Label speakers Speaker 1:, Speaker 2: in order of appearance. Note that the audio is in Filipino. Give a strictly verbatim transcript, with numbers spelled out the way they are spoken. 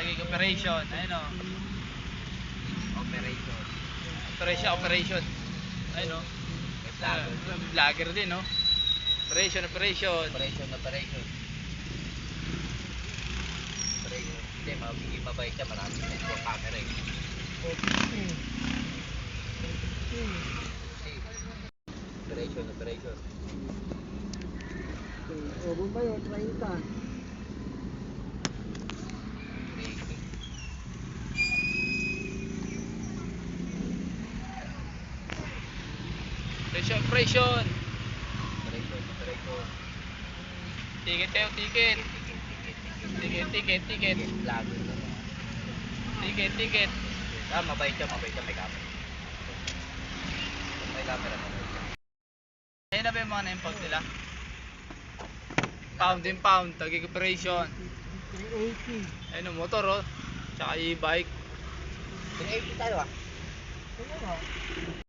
Speaker 1: Tagig operation. Ayun o.
Speaker 2: Operation.
Speaker 1: Operation, operation. Ayun o.
Speaker 2: Vlogger.
Speaker 1: Vlogger din o. Operation, operation.
Speaker 2: Operation, operation. Operation. Hindi, mabiging mabait siya. Maraming sa ito camera eh. Operation, operation.
Speaker 3: O, Bombay, o, treinta.
Speaker 1: Operation, operation.
Speaker 2: Operation, operation.
Speaker 1: Ticket tayo, ticket.
Speaker 2: Ticket, ticket, ticket.
Speaker 1: Ticket, ticket, ticket.
Speaker 2: Vlogger na naman.
Speaker 1: Ticket, ticket.
Speaker 2: Ah, mabait siya, mabait siya. May camera. May camera, mabait siya.
Speaker 1: Ayun na ba yung mga na-impound nila? Pound in pound, tagig operation.
Speaker 3: three eighty.
Speaker 1: Ayun o, motor o. Tsaka e-bike.
Speaker 2: three eighty tayo ah.
Speaker 3: Ano ba?